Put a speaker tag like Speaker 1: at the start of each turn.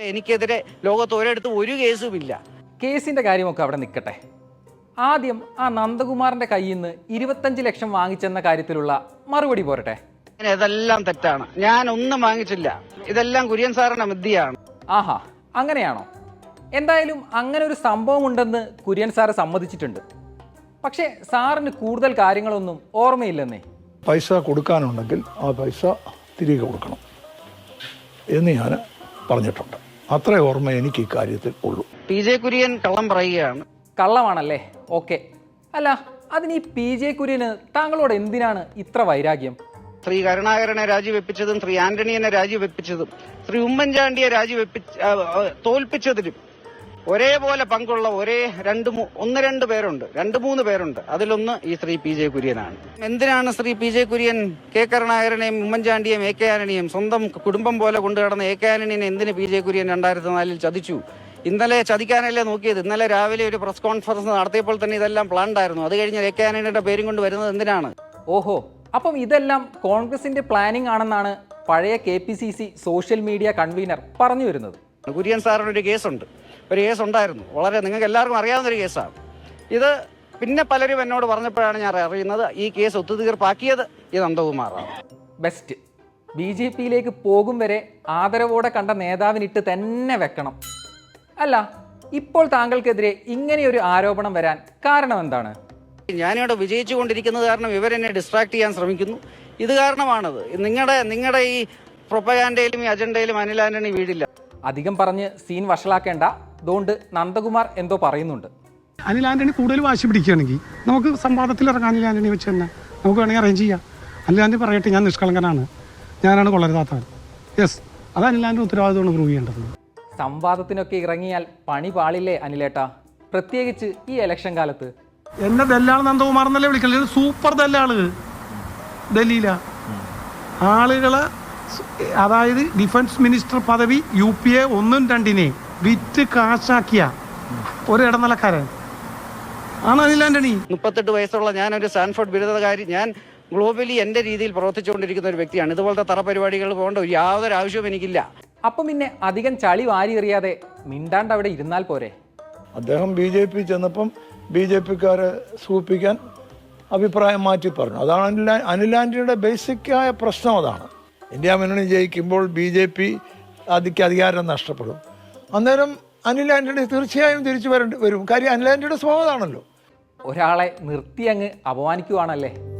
Speaker 1: എനിക്കെതിരെ ലോകത്ത് ഒരിടത്തും ഒരു കേസുമില്ല.
Speaker 2: കേസിൻ്റെ കാര്യമൊക്കെ അവിടെ നിൽക്കട്ടെ. ആദ്യം ആ നന്ദകുമാറിൻ്റെ കയ്യിൽ നിന്ന് 25 ലക്ഷം വാങ്ങിച്ചെന്ന കാര്യത്തിലുള്ള മറുപടി പോരട്ടെ.
Speaker 1: ഇതെല്ലാം തെറ്റാണ്. ഞാൻ ഒന്നും വാങ്ങിച്ചില്ല. ഇതെല്ലാം കുര്യൻ സാറിന്റെ മിഥ്യയാണ്.
Speaker 2: ആഹാ, അങ്ങനെയാണോ? എന്തായാലും അങ്ങനെ ഒരു സംഭവം ഉണ്ടെന്ന് കുര്യൻ സാറ് സമ്മതിച്ചിട്ടുണ്ട്. പക്ഷേ സാറിന് കൂടുതൽ കാര്യങ്ങളൊന്നും ഓർമ്മയില്ലെന്നേ.
Speaker 3: പൈസ കൊടുക്കാനുണ്ടെങ്കിൽ ആ പൈസ തിരികെ കൊടുക്കണം എന്ന് ഞാൻ പറഞ്ഞിട്ടുണ്ട്. അത്രേ ഓർമ്മ എനിക്ക് ഇക്കാര്യത്തിൽ ഉള്ളൂ.
Speaker 1: PJ കുര്യൻ കള്ളം പറയുകയാണ്.
Speaker 2: കള്ളമാണല്ലേ? ഓക്കെ. അല്ല, അതിന് ഈ PJ കുര്യന് താങ്കളോട് എന്തിനാണ് ഇത്ര വൈരാഗ്യം?
Speaker 1: ശ്രീ കരുണാകരനെ രാജിവെപ്പിച്ചതും ശ്രീ ആന്റണിയെ രാജിവെപ്പിച്ചതും ശ്രീ ഉമ്മൻചാണ്ടിയെ തോൽപ്പിച്ചതിലും ഒരേപോലെ പങ്കുള്ള ഒന്ന് രണ്ട് പേരുണ്ട്, 2-3 പേരുണ്ട്. അതിലൊന്ന് ഈ ശ്രീ PJ കുര്യനാണ്. എന്തിനാണ് ശ്രീ PJ കുര്യൻ കെ കരുണാകരനെയും ഉമ്മൻചാണ്ടിയെയും AK ആന്റണിയെയും സ്വന്തം കുടുംബം പോലെ കൊണ്ടുകിടന്ന AK ആന്റണിയെ എന്തിന് PJ കുര്യൻ 2004 ചതിച്ചു? ഇന്നലെ ചതിക്കാനല്ലേ നോക്കിയത്? ഇന്നലെ രാവിലെ ഒരു പ്രസ് കോൺഫറൻസ് നടത്തിയപ്പോൾ തന്നെ ഇതെല്ലാം പ്ലാൻഡ് ആയിരുന്നു. അത് കഴിഞ്ഞ് AK ആന്റണിയുടെ പേരും കൊണ്ട് വരുന്നത് എന്തിനാണ്?
Speaker 2: ഓഹോ, അപ്പം ഇതെല്ലാം കോൺഗ്രസിന്റെ പ്ലാനിംഗ് ആണെന്നാണ് പഴയ KPCC സോഷ്യൽ മീഡിയ കൺവീനർ പറഞ്ഞു വരുന്നത്.
Speaker 1: കുര്യൻ സാറിന് ഒരു കേസ് ഉണ്ടായിരുന്നു. വളരെ നിങ്ങൾക്ക് എല്ലാവർക്കും അറിയാവുന്ന ഒരു കേസാണ് ഇത്. പിന്നെ പലരും എന്നോട് പറഞ്ഞപ്പോഴാണ് ഞാൻ അറിയുന്നത് ഈ കേസ് ഒത്തുതീർപ്പാക്കിയത് ഈ നന്ദകുമാറാണ്.
Speaker 2: ബെസ്റ്റ്. BJPയിലേക്ക് പോകും വരെ ആദരവോടെ കണ്ട നേതാവിനിട്ട് തന്നെ വെക്കണം. അല്ല, ഇപ്പോൾ താങ്കൾക്കെതിരെ ഇങ്ങനെയൊരു ആരോപണം വരാൻ കാരണം എന്താണ്?
Speaker 1: ഞാനിവിടെ വിജയിച്ചു കൊണ്ടിരിക്കുന്നത് കാരണം ഇവരെന്നെ ഡിസ്ട്രാക്ട് ചെയ്യാൻ ശ്രമിക്കുന്നു. ഇത് കാരണമാണത്. നിങ്ങളുടെ ഈ പ്രൊപ്പഗാൻഡയിലും ഈ അജണ്ടയിലും അനിൽ ആന്റണി വീടില്ല.
Speaker 2: അധികം പറഞ്ഞ് സീൻ വഷളാക്കേണ്ട. അതുകൊണ്ട് നന്ദകുമാർ എന്തോ പറയുന്നുണ്ട്.
Speaker 4: അനിൽ ആന്റണി കൂടുതൽ വാശി പിടിക്കുകയാണെങ്കിൽ നമുക്ക് സംവാദത്തിൽ ഇറങ്ങാം. അനിൽ ആന്റണി വെച്ച് തന്നെ നമുക്ക് വേണമെങ്കിൽ അറേഞ്ച് ചെയ്യാം. അനിൽ ആന്റണി പറയട്ടെ, ഞാൻ നിഷ്കളങ്കനാണ്, ഞാനാണ് കൊള്ളരുതാത്തവൻ. യെസ്, അത് അനിൽ ആന്റണി ഉത്തരവാദിത്തമാണ് പ്രൂവ് ചെയ്യേണ്ടത്.
Speaker 2: സംവാദത്തിനൊക്കെ ഇറങ്ങിയാൽ പണി പാളില്ലേ അനിലേട്ടാ? പ്രത്യേകിച്ച് ഈ ഇലക്ഷൻ കാലത്ത്.
Speaker 4: എന്നെ ദല്ലാൾ നന്ദകുമാർ എന്നല്ലേ വിളിക്കല്? സൂപ്പർ ദല്ലാള് ഡൽഹിയില ആളുകളെ, അതായത് ഡിഫൻസ് മിനിസ്റ്റർ പദവി UPA 1 2 വിറ്റ് കാശാക്കിയ ഒരു ഇടനിലക്കാരൻ ആണ് അനിൽ ആന്റണി.
Speaker 1: 38 വയസ്സുള്ള ഞാനൊരു സ്റ്റാൻഫോർഡ് ബിരുദധാരി. ഞാൻ ഗ്ലോബലി എൻ്റെ രീതിയിൽ പ്രവർത്തിച്ചുകൊണ്ടിരിക്കുന്ന ഒരു വ്യക്തിയാണ്. ഇതുപോലത്തെ തറപരിപാടികൾ പോകേണ്ട യാതൊരു ആവശ്യവും എനിക്കില്ല.
Speaker 2: അപ്പം പിന്നെ അധികം ചളി വാരി എറിയാതെ മിണ്ടാണ്ട് അവിടെ ഇരുന്നാൽ പോരെ?
Speaker 3: അദ്ദേഹം BJP ചെന്നപ്പം BJPക്കാരെ സൂചിപ്പിക്കാൻ അഭിപ്രായം മാറ്റി പറഞ്ഞു. അതാണ് അനിൽ ആന്റണിയുടെ ബേസിക്കായ പ്രശ്നം. അതാണ് ഇന്ത്യ മുന്നണി ജയിക്കുമ്പോൾ BJP അധികാരം നഷ്ടപ്പെടും. അന്നേരം അനിൽ ആന്റണി തീർച്ചയായും തിരിച്ചു വരും. കാര്യം അനിൽ ആന്റണിയുടെ സ്വഭാവമാണല്ലോ.
Speaker 2: ഒരാളെ നിർത്തി അങ്ങ് അപമാനിക്കുവാണല്ലേ?